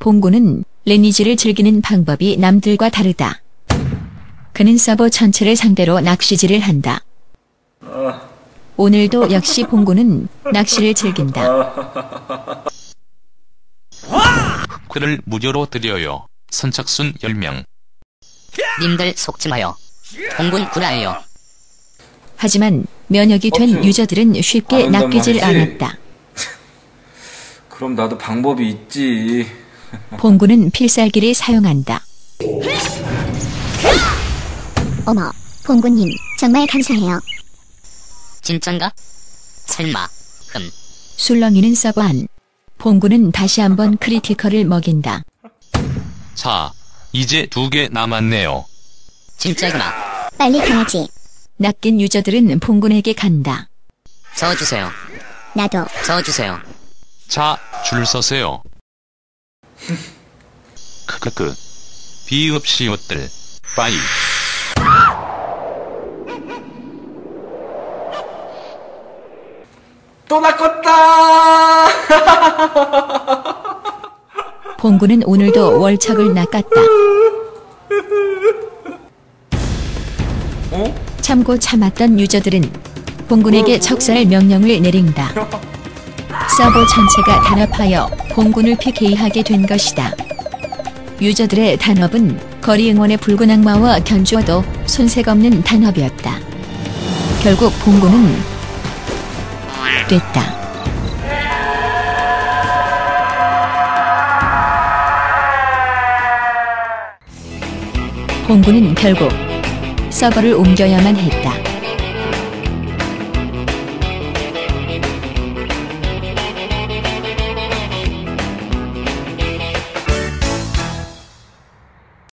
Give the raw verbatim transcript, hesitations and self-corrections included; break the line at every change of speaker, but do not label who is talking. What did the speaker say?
봉구는 리니지를 즐기는 방법이 남들과 다르다. 그는 서버 전체를 상대로 낚시질을 한다. 오늘도 역시 봉구는 낚시를 즐긴다.
흑회를 무료로 드려요. 선착순 열 명.
님들 속지 마요. 봉군 구라예요.
하지만 면역이 된 유저들은 쉽게 낚이질 않았다.
그럼 나도 방법이 있지.
봉구는 필살기를 사용한다.
어머, 봉구님 정말 감사해요.
진짠가? 설마. 흠.
술렁이는 서버 안. 봉구는 다시 한번 크리티컬을 먹인다.
자, 이제 두 개 남았네요.
진짜구나.
빨리 가야지.
낚인 유저들은 봉군에게 간다.
저어주세요.
나도.
저어주세요.
자, 줄 서세요. 크크크. 비읍시옷들. 빠이.
또 낚았다.
봉구는 오늘도 월척을 낚았다.
어?
참고 참았던 유저들은 봉군에게 척살 명령을 내린다. 서버 전체가 단합하여 봉군을 피케이하게 된 것이다. 유저들의 단합은 거리 응원의 붉은 악마와 견주어도 손색 없는 단합이었다. 결국 봉군은 됐다. 봉군은 결국 서버를 옮겨야만 했다.